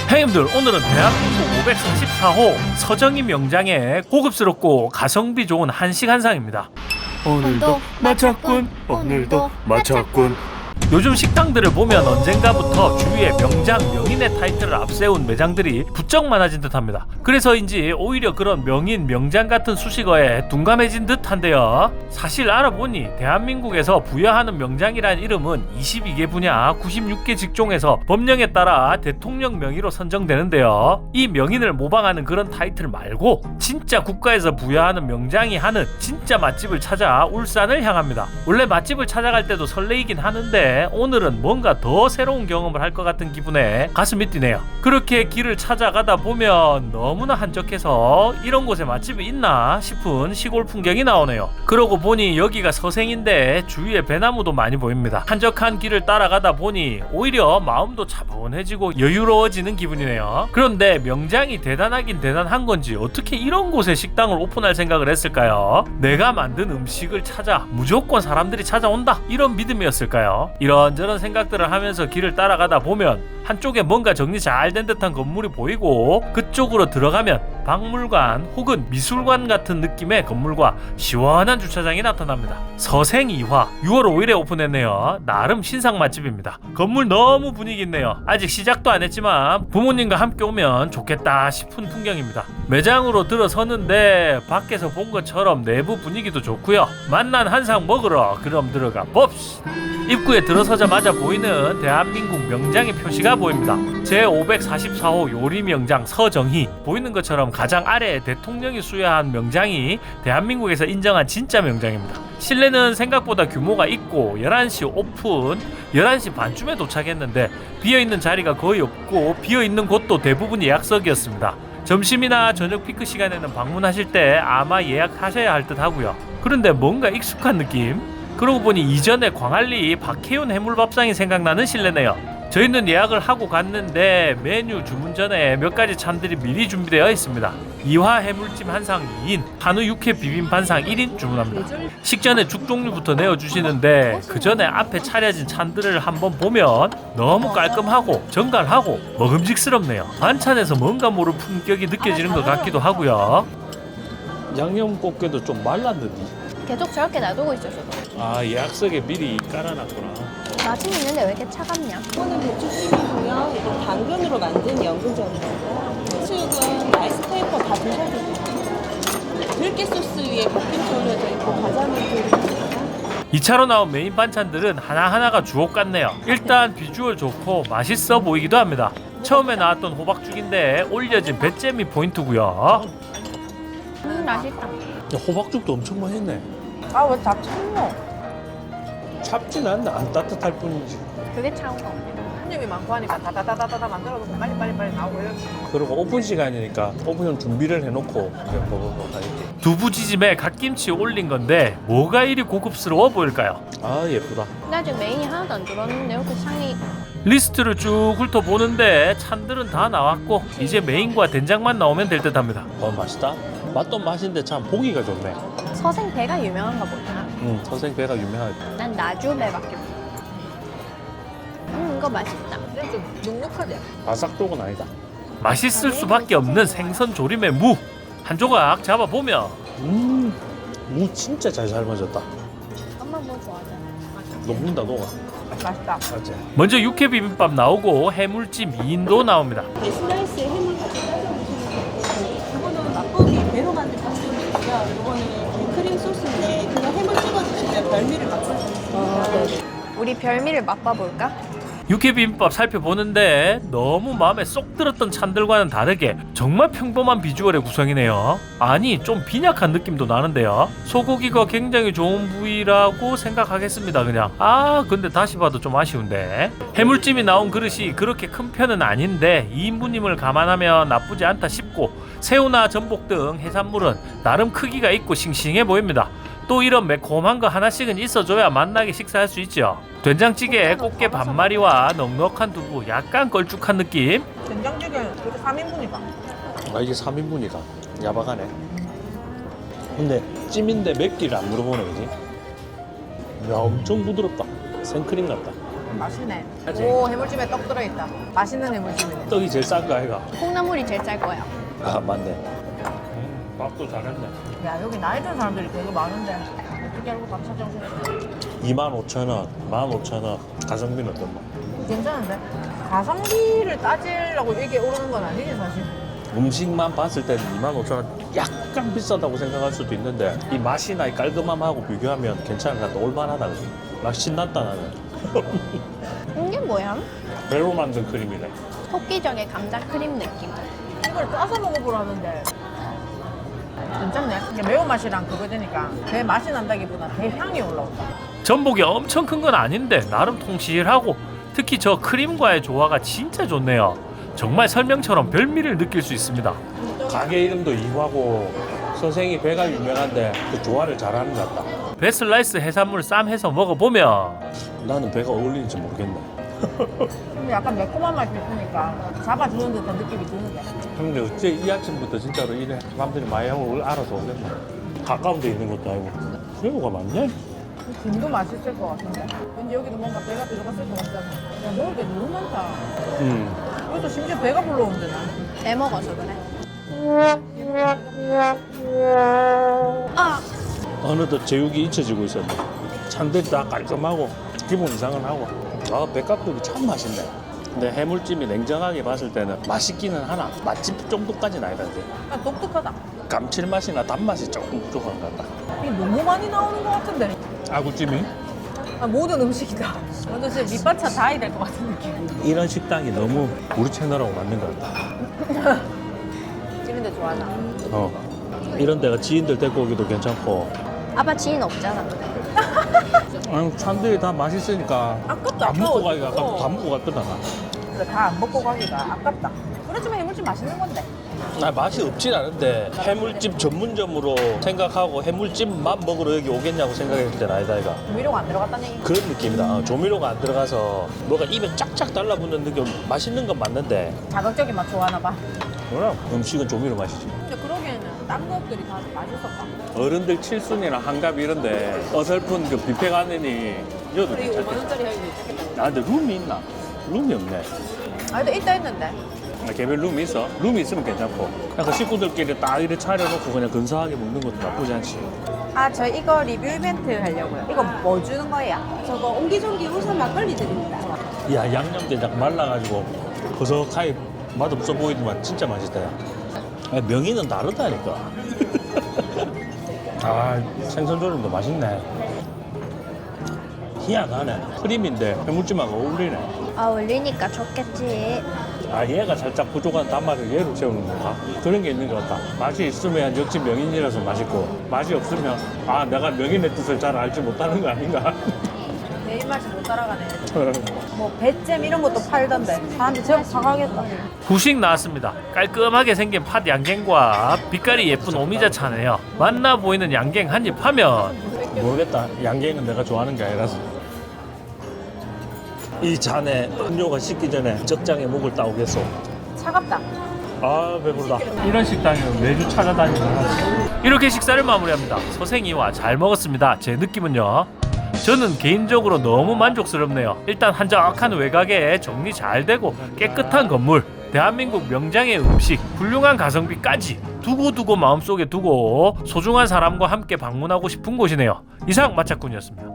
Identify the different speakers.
Speaker 1: 형님들, 오늘은 대한민국 544호 서정희 명장의 고급스럽고 가성비 좋은 한식 한상입니다.
Speaker 2: 오늘도 마쳤군. 오늘도 마쳤군.
Speaker 1: 요즘 식당들을 보면 언젠가부터 주위에 명장, 명인의 타이틀을 앞세운 매장들이 부쩍 많아진 듯합니다. 그래서인지 오히려 그런 명인, 명장 같은 수식어에 둔감해진 듯한데요. 사실 알아보니 대한민국에서 부여하는 명장이란 이름은 22개 분야 96개 직종에서 법령에 따라 대통령 명의로 선정되는데요. 이 명인을 모방하는 그런 타이틀 말고 진짜 국가에서 부여하는 명장이 하는 진짜 맛집을 찾아 울산을 향합니다. 원래 맛집을 찾아갈 때도 설레이긴 하는데 오늘은 뭔가 더 새로운 경험을 할 것 같은 기분에 가슴이 뛰네요. 그렇게 길을 찾아가다 보면 너무나 한적해서 이런 곳에 맛집이 있나 싶은 시골 풍경이 나오네요. 그러고 보니 여기가 서생인데 주위에 배나무도 많이 보입니다. 한적한 길을 따라가다 보니 오히려 마음도 차분해지고 여유로워지는 기분이네요. 그런데 명장이 대단하긴 대단한 건지 어떻게 이런 곳에 식당을 오픈할 생각을 했을까요? 내가 만든 음식을 찾아 무조건 사람들이 찾아온다, 이런 믿음이었을까요? 이런저런 생각들을 하면서 길을 따라가다 보면 한쪽에 뭔가 정리 잘 된 듯한 건물이 보이고 그쪽으로 들어가면 박물관 혹은 미술관 같은 느낌의 건물과 시원한 주차장이 나타납니다. 서생이화 6월 5일에 오픈했네요. 나름 신상 맛집입니다. 건물 너무 분위기 있네요. 아직 시작도 안 했지만 부모님과 함께 오면 좋겠다 싶은 풍경입니다. 매장으로 들어서는데 밖에서 본 것처럼 내부 분위기도 좋고요. 맛난 한상 먹으러 그럼 들어가 봅시다. 입구에 들어서자마자 보이는 대한민국 명장의 표시가 보입니다. 제544호 요리명장 서정희. 보이는 것처럼 가장 아래에 대통령이 수여한 명장이 대한민국에서 인정한 진짜 명장입니다. 실내는 생각보다 규모가 있고 11시 오픈, 11시 반쯤에 도착했는데 비어있는 자리가 거의 없고 비어있는 곳도 대부분 예약석이었습니다. 점심이나 저녁 피크 시간에는 방문하실 때 아마 예약하셔야 할 듯 하고요. 그런데 뭔가 익숙한 느낌? 그러고 보니 이전에 광안리 박혜윤 해물밥상이 생각나는 실내네요. 저희는 예약을 하고 갔는데 메뉴 주문 전에 몇 가지 찬들이 미리 준비되어 있습니다. 이화 해물찜 한상 2인, 한우 육회 비빔 반상 1인 주문합니다. 식전에 죽 종류부터 내어주시는데 그 전에 앞에 차려진 찬들을 한번 보면 너무 깔끔하고 정갈하고 먹음직스럽네요. 반찬에서 뭔가 모를 품격이 느껴지는 것 같기도 하고요.
Speaker 3: 양념 꽃게도 좀 말랐는데.
Speaker 2: 계속 저렇게 놔두고 있어서
Speaker 3: 아, 예약석에 미리 깔아놨구나.
Speaker 2: 맛은 있는데 왜 이렇게 차갑냐?
Speaker 4: 이거는 배추찜이고요. 이거 당근으로 만든 연근젓이고요. 수육은 라이스 페이퍼 다 드셔도 돼요. 들깨 소스 위에 볶음치 올려져 있고 과자는 드리고요.
Speaker 1: 2차로 나온 메인 반찬들은 하나하나가 주옥 같네요. 일단 비주얼 좋고 맛있어 보이기도 합니다. 처음에 나왔던 호박죽인데 올려진 배잼이 포인트고요.
Speaker 2: 맛있다.
Speaker 3: 야, 호박죽도 엄청 맛있네.
Speaker 2: 아 왜 다 참노?
Speaker 3: 찹진 않나? 안 따뜻할 뿐이지.
Speaker 2: 그게 차운 거.
Speaker 5: 한 입이 많고 하니까 다다다다다다 만들어서 빨리빨리 나오고 이렇게.
Speaker 3: 그리고 오픈 시간이니까 오픈용 준비를 해놓고 이제 먹으러 가야지.
Speaker 1: 두부지짐에 갓김치 올린 건데 뭐가 이리 고급스러워 보일까요?
Speaker 3: 아, 예쁘다.
Speaker 2: 나 지금 메인이 하나도 안 들었는데 이렇게 상이
Speaker 1: 리스트를 쭉 훑어보는데 찬들은 다 나왔고 이제 메인과 된장만 나오면 될 듯합니다.
Speaker 3: 맛있다. 맛도 맛인데 참 보기가 좋네.
Speaker 2: 서생배가 유명한가 보다.
Speaker 3: 서생배가 유명하지.
Speaker 2: 난 나주배밖에 몰라. 이거 맛있다.
Speaker 5: 근데 좀 눅눅하지?
Speaker 3: 바삭 쪽은 아니다.
Speaker 1: 맛있을 수밖에 없는 생선 조림의 무 한 조각 잡아보면
Speaker 3: 무 진짜 잘 삶아졌다.
Speaker 2: 엄마 뭐 좋아하잖아.
Speaker 3: 녹는다, 녹아.
Speaker 5: 맛있다.
Speaker 3: 맞지?
Speaker 1: 먼저 육회 비빔밥 나오고 해물찜 2인도 나옵니다.
Speaker 4: 네, 슬라이스에 해물 같이 따져 드시면 되고 이거는 맛보기 배로 만든 밥솥이고요. 이거는 크림 소스인데 그거 해물 찍어 드시면 별미를 맛볼 수 있습니다.
Speaker 2: 우리 별미를 맛봐볼까?
Speaker 1: 육회 비빔밥 살펴보는데 너무 마음에 쏙 들었던 찬들과는 다르게 정말 평범한 비주얼의 구성이네요. 아니 좀 빈약한 느낌도 나는데요. 소고기가 굉장히 좋은 부위라고 생각하겠습니다. 그냥 근데 다시 봐도 좀 아쉬운데 해물찜이 나온 그릇이 그렇게 큰 편은 아닌데 2인분임을 감안하면 나쁘지 않다 싶고 새우나 전복 등 해산물은 나름 크기가 있고 싱싱해 보입니다. 또 이런 매콤한 거 하나씩은 있어줘야 맛나게 식사할 수 있죠. 된장찌개에 꽃게 반마리와 넉넉한 두부, 약간 걸쭉한 느낌.
Speaker 5: 된장찌개 그렇게 3인분이가.
Speaker 3: 아, 이게 3인분이다. 야박하네. 근데 찜인데 맵기를 안 물어보네, 그지? 야, 엄청 부드럽다. 생크림 같다.
Speaker 5: 맛있네.
Speaker 3: 맞지?
Speaker 5: 오, 해물찜에 떡 들어있다. 맛있는 해물찜이네.
Speaker 3: 떡이 제일 싼 거 아이가?
Speaker 2: 콩나물이 제일 짤 거야.
Speaker 3: 아 맞네. 밥도 잘했네.
Speaker 5: 야, 여기 나이 든 사람들이 되게 많은데. 어떻게 알고 밥 찾아오셨어?
Speaker 3: 25,000원, 15,000원. 가성비는 어떤 거?
Speaker 5: 괜찮은데? 가성비를 따지려고 이게 오르는 건 아니지, 사실.
Speaker 3: 음식만 봤을 때는 25,000원 약간 비싸다고 생각할 수도 있는데 이 맛이나 이 깔끔함하고 비교하면 괜찮은 것 같다. 올만하다. 그지? 맛 신났다 나는.
Speaker 2: 이게 뭐야?
Speaker 3: 배로 만든 크림이네.
Speaker 2: 토끼적의 감자 크림 느낌.
Speaker 5: 이걸 짜서 먹어보라는데. 괜찮네. 이게 매운맛이랑 그거 되니까 배 맛이 난다기보다 배 향이 올라온다.
Speaker 1: 전복이 엄청 큰 건 아닌데 나름 통실하고 특히 저 크림과의 조화가 진짜 좋네요. 정말 설명처럼 별미를 느낄 수 있습니다.
Speaker 3: 가게 이름도 이화고 선생이 배가 유명한데 그 조화를 잘하는 것 같다.
Speaker 1: 베슬라이스 해산물 쌈 해서 먹어보면
Speaker 3: 나는 배가 어울리는지 모르겠네.
Speaker 5: 근데 약간 매콤한 맛이 있으니까 잡아주는 듯한 느낌이 드는데.
Speaker 3: 근데 어째 이 아침부터 진짜로 이래 사람들이 많이 하고 알아서 오겠나. 가까운 데 있는 것도 아니고 새우가 많네.
Speaker 5: 김도 맛있을 것 같은데. 왠지 여기도 뭔가 배가 들어갔을 것 같잖아. 야, 먹을 게 너무 많다. 이것도 심지어 배가 불러온대, 나.
Speaker 2: 배 먹어서 그래. 아,
Speaker 3: 어느덧 제육이 잊혀지고 있었네. 찬들이 다 깔끔하고 기본 이상은 하고. 아 백각국이 참 맛있네. 근데 해물찜이 냉정하게 봤을 때는 맛있기는 하나 맛집 정도까지는 아니던데.
Speaker 5: 약간 독특하다.
Speaker 3: 감칠맛이나 단맛이 조금 부족한 것 같다.
Speaker 5: 이게 너무 많이 나오는 것 같은데.
Speaker 3: 아구찜이?
Speaker 5: 아, 모든 음식이다. 완전 진짜 밑반찬 다 해야 될 것 같은 느낌.
Speaker 3: 이런 식당이 너무 우리 채널하고 맞는 것 같다.
Speaker 5: 찌는데 좋아하나?
Speaker 3: 이런 데가 지인들 데리고 오기도 괜찮고.
Speaker 2: 아빠 지인 없잖아.
Speaker 3: 아니 찬들이 다 맛있으니까
Speaker 5: 아깝다.
Speaker 3: 안 먹고
Speaker 5: 아까워.
Speaker 3: 가기가 아깝다. 다 먹고 갔더라 나.
Speaker 5: 그래, 다 안 먹고 가기가 아깝다. 그렇지만 해물찜 맛있는 건데.
Speaker 3: 나 맛이 없진 않은데 해물찜 전문점으로 생각하고 해물찜만 먹으러 여기 오겠냐고 생각했을 때는 아니다 이가.
Speaker 5: 조미료가 안 들어갔다는 얘기.
Speaker 3: 그런 느낌이다. 조미료가 안 들어가서 뭐가 입에 쫙쫙 달라붙는 느낌. 맛있는 건 맞는데
Speaker 5: 자극적인 맛 좋아하나 봐.
Speaker 3: 뭐라 음식은 조미료 맛이지.
Speaker 5: 근데 그러기에는 딴 것들이 다 맛있었다.
Speaker 3: 어른들 칠순이나 한갑 이런데 어설픈 그 뷔페 가느니 이어도
Speaker 5: 그리고
Speaker 3: 괜찮겠다.
Speaker 5: 5만 원짜리 하기도 있겠다.
Speaker 3: 아 근데 룸이 있나? 룸이 없네.
Speaker 5: 아, 근데 있다 했는데.
Speaker 3: 아, 개별 룸이 있어? 룸이 있으면 괜찮고 그냥 그 식구들끼리 딱 이렇게 차려놓고 그냥 근사하게 먹는 것도 나쁘지 않지.
Speaker 5: 아, 저 이거 리뷰 이벤트 하려고요. 이거 뭐 주는 거예요?
Speaker 4: 저거 옹기종기 우선 막걸리 드립니다.
Speaker 3: 야 양념게장 말라가지고 버석하게 맛없어 보이지만 진짜 맛있다. 야. 아, 명이는 다르다니까. 아 생선조림도 맛있네. 희한하네. 크림인데 해물찜하고 어울리네.
Speaker 2: 어울리니까 좋겠지.
Speaker 3: 아 얘가 살짝 부족한 단맛을 얘로 채우는 건가? 그런 게 있는 것 같다. 맛이 있으면 역시 명인이라서 맛있고 맛이 없으면 아 내가 명인의 뜻을 잘 알지 못하는 거 아닌가?
Speaker 5: 내 입맛이 못 따라가네. 뭐 배잼 이런 것도 팔던데. 사람들 제법 사가겠다.
Speaker 1: 후식 나왔습니다. 깔끔하게 생긴 팥 양갱과 빛깔이 예쁜 오미자차네요. 맛나 보이는 양갱 한 입 하면
Speaker 3: 모르겠다. 양갱은 내가 좋아하는 게 아니라서. 이 잔에 음료가 식기 전에 적장에 목을 따오겠소.
Speaker 5: 차갑다.
Speaker 3: 아 배부르다. 이런 식당은 매주 찾아다니는 하지.
Speaker 1: 이렇게 식사를 마무리합니다. 서생이와 잘 먹었습니다. 제 느낌은요. 저는 개인적으로 너무 만족스럽네요. 일단 한적한 외곽에 정리 잘 되고 깨끗한 건물, 대한민국 명장의 음식, 훌륭한 가성비까지 두고두고 마음속에 두고 소중한 사람과 함께 방문하고 싶은 곳이네요. 이상 마차꾼이었습니다.